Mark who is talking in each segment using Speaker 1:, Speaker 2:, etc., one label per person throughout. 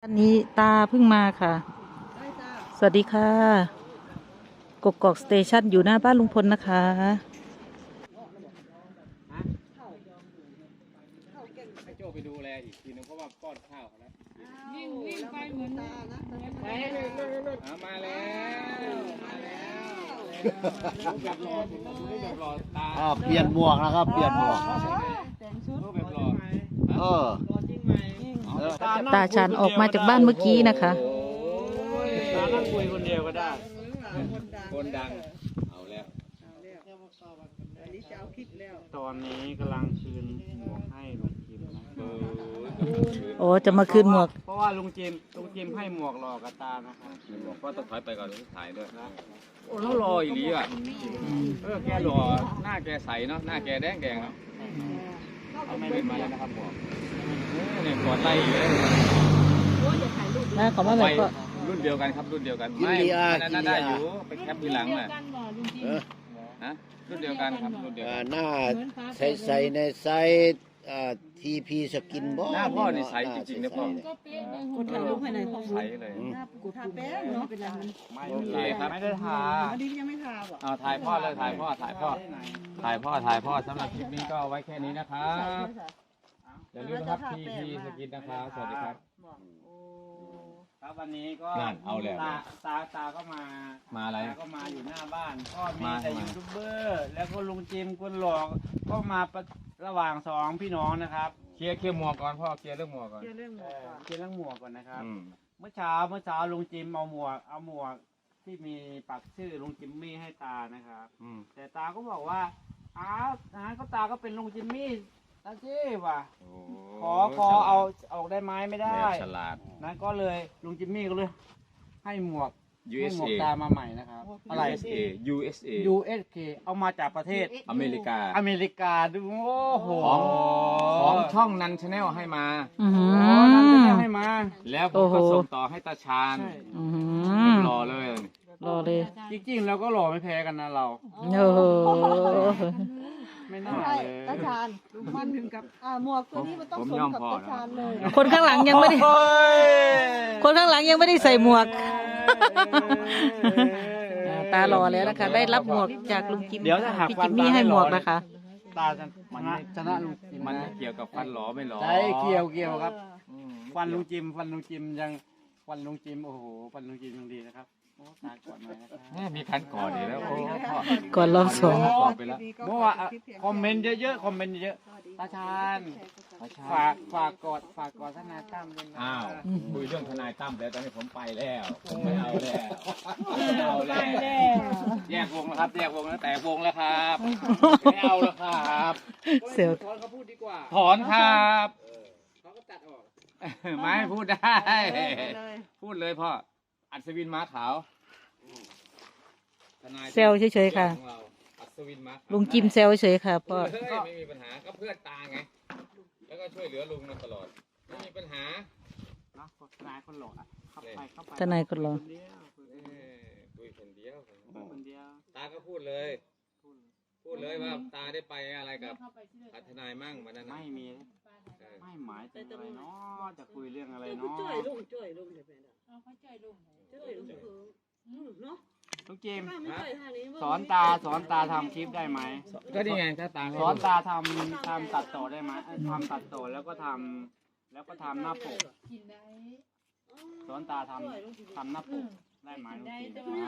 Speaker 1: วันนี้ตาเพิ่งมาค่ะสวัสดีค่ะกกอกสเตชันอยู่หน้าบ้านลุงพลนะคะ
Speaker 2: ให้โจไปดูแลอีกทีนึงเพราะว่าป้อนข้าวเขาแล้ว
Speaker 3: วิ่งไปเหมือนตานะ
Speaker 2: มาแล้วแบบรอแบบรอตา
Speaker 4: เปลี่ยนหมวกนะครับเปลี่ยนหมวก
Speaker 3: แต่งชุด
Speaker 2: แบบรอ
Speaker 1: ตาชันออกมาจากบ้านเมื่อกี้นะคะ
Speaker 2: ตานั่งคุยคนเดียวก็ได้คนดังเอาแล้ว
Speaker 5: ตอนนี้กำลังคืนหมวกให้ลุงจิมนะ
Speaker 1: โอ้จะมาคืนหมวก
Speaker 5: เพราะว่าลุงจิมให้หมวกหลอกกับตานะครับ
Speaker 2: หมวกก็ต้องถอยไปก่อนถ่ายด้วยโอ้แล้วรออีหลีอ่ะแกหล่อหน้าแกใสเนาะหน้าแกแดงเนาะเอาไม่เป็นมาแล้วนะครับหมวกเนี่ยกอดไล่เลย
Speaker 1: นะขอมาแบบก็
Speaker 2: รุ่นเดียวกันครับรุ่นเดียวกันไม่น่าได้อยู่ไปแคปทีหลังน่ะนะรุ่นเดียวกันครับรุ่นเดียวกัน
Speaker 4: หน้าใส่ในไซส์ทีพีสกินบ่
Speaker 2: หน้าพ่อนี่ใสจริงๆนะพ่อ
Speaker 3: ก็ถ่ายรูปให้หน่อยพ่อใส
Speaker 2: เลย
Speaker 3: กูทาแป้งเนาะเป็นไรมัน
Speaker 2: ไม่ครับไม่ได้ทา
Speaker 3: อันนี้ยังไม่ทาหรอ
Speaker 2: ถ่ายพ่อเลยถ่ายพ่อสำหรับคลิปนี้ก็ไว้แค่นี้นะครับอย่าลืมนะครับทีพีสกินนะครับสวัสดีครับ
Speaker 5: ครับวันนี้ก็
Speaker 2: เอาแล้ว
Speaker 5: ตาก็มา
Speaker 2: อะไร
Speaker 5: ก็มาอยู่หน้าบ้านก็มีแต่ยูทูบเบอร์แล้วก็ลุงจิมคนหลอกก็มาระหว่างสองพี่น้องนะครับ
Speaker 2: เคลียร์หมวกก่อนพ่อเคลียร์เรื่องหมวกก่อน
Speaker 5: เคลียร์เรื่องหมวกก่อนนะครับเมื่อเช้าลุงจิมเอาหมวกที่มีปักชื่อลุงจิมมี่ให้ตานะครับแต่ตาก็บอกว่าก็ตาก็เป็นลุงจิมมี่ตาจี้ว่ะขอเอาออกได้ไหมไม่ได้
Speaker 2: ฉลาด
Speaker 5: นะก็เลยลุงจิมมี่ก็เลยให้หมวกตามาใหม่นะครับ
Speaker 2: อะไร
Speaker 5: USA เอามาจากประเทศ
Speaker 2: อเมริกา
Speaker 5: ดูโอ้โห
Speaker 2: ของช่องนันชาแนลให้มา
Speaker 5: นันชาแนลให้มา
Speaker 2: แล้วผมก็ส่งต่อให้ตาชาญรอเลย
Speaker 5: จริงๆแล้วก็หล่อไม่แพ้กันนะเราไม่น่าเลย
Speaker 3: ตาชาญมันถึงกับหมวกตัวนี้มันต้องสวมกับตาชาญเลย
Speaker 1: คนข้างหลังยังไม่ได้ใส่หมวกตาหล่อแล้วนะคะได้รับหมวกจากลุงจิม
Speaker 5: เดี๋ยวถ้าหาก
Speaker 1: พี่จิมมี่ให้หมวกนะคะ
Speaker 5: ตาชนะลุงจิม
Speaker 2: มันเกี่ยวกับฟันหล่อไม่หล่อ
Speaker 5: ใช่เกี่ยวครับฟันลุงจิมยังฟันลุงจิมโอ้โหฟันลุงจิมยังดีนะครับตาก่อนมานะครับ
Speaker 2: มีคันก่อนดีแล้ว
Speaker 1: ก่อนรอบสอง
Speaker 5: เมื่อวานคอมเมนต์เยอะตาชาญฝากกอดทนายตั้มด้วยนะ
Speaker 2: คุยเรื่องทนายตั้มแล้วตอนนี้ผมไปแล้วไม่เอาแล้วแยกวงแล้วครับแยกวงแล้วแต่วงแล้วครับไม่เอาแล้วครับ
Speaker 1: เสียว
Speaker 5: ถอนเขาพูดดีกว่า
Speaker 2: ถอนครับ
Speaker 5: เขาก็ตัดออก
Speaker 2: ไม่พูดได้พูดเลยพ่ออัศวินม้าขาว
Speaker 1: เซลเฉยๆค่ะลุงจิมเซลเฉยๆค่ะพ่อ
Speaker 2: ไม่มีปัญหาก็เพื่อนตาไงแล้วก็ช่วยเหลือลุงมาตลอดไม่มีปัญหา
Speaker 5: ทนายคนหล่อเข้าไป
Speaker 1: ทนายคนหล่อ
Speaker 2: คุยคนเดียวตาก็พูดเลยว่าตาได้ไปอะไรกับทนายมั่งวันนั้น
Speaker 5: ไม่มีไม่หมายถึงอะไรเนาะจะคุยเรื่องอะไรเนาะ
Speaker 3: ช่วยลุงเลยแม่เขาช่วยลุงเนาะ
Speaker 5: ลุงจิมสอนตาทำคลิปได้ไหม
Speaker 2: ก็นี่ไงถ้าตา
Speaker 5: สอนตาทำตัดต่อได้ไหมทำตัดต่อแล้วก็ทำหน้าปกสอนตาทำหน้าปกได้ไหมลุงจิม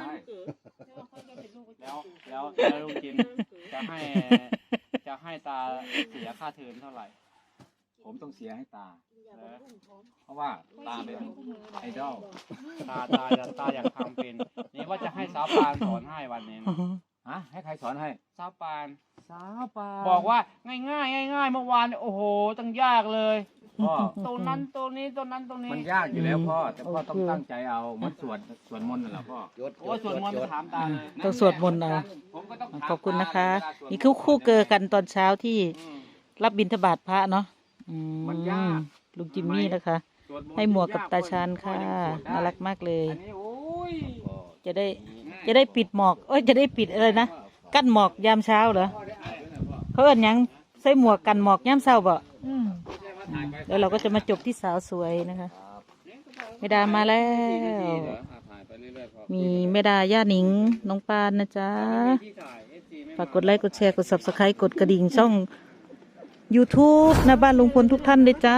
Speaker 5: แล้วลุงจิมจะให้ตาเสียค่าเทอมเท่าไหร่
Speaker 2: ผมต้องเสียให้ตาเพราะว่าตาเป็นไอดอล
Speaker 5: ตาอยากทำเป็นนี่ว่าจะให้สาวปานสอนให้วันนี้
Speaker 2: ให้ใครสอนให้
Speaker 5: สาวปานบอกว่าง่ายเมื่อวานโอ้โหตั้งยากเลยตรงนั้นตรงนี้
Speaker 2: มันยากอยู่แล้วพ่อแต่พ่อต้องตั้งใจเอามันสวดมนต์นั่นแหละพ่อ
Speaker 5: สวดมนต์ถามตาเลย
Speaker 1: ต้องสวดมนต์เอาขอบคุณนะคะนี่คู่เกอกันตอนเช้าที่รับบิณฑบาตพระเนาะลุงจิมมี่นะคะให้หมวกกับตาชาญค่ะน่ารักมากเลยจะได้ปิดหมอกจะได้ปิดอะไรนะกั้นหมอกยามเช้าเหรอเขาเอิ้นยังใส่หมวกกันหมอกยามเช้าบ่แล้วเราก็จะมาจบที่สาวสวยนะคะแม่ดามาแล้ว
Speaker 2: ถ่ายไปเรื่อยๆพอ
Speaker 1: มีแม่ดาย่าหนิงน้องปานนะจ๊ะ
Speaker 5: ที่ถ่าย FC ไม่
Speaker 1: ฝากกดไลค์กดแชร์กด subscribe กดกระดิ่งช่อง YouTube นะบ้านลุงพลทุกท่านเลยจ้า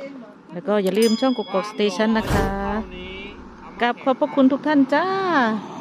Speaker 1: แล้วก็อย่าลืมช่องกกอกสเตชันนะคะกราบขอบพระคุณทุกท่านจ้า
Speaker 5: เ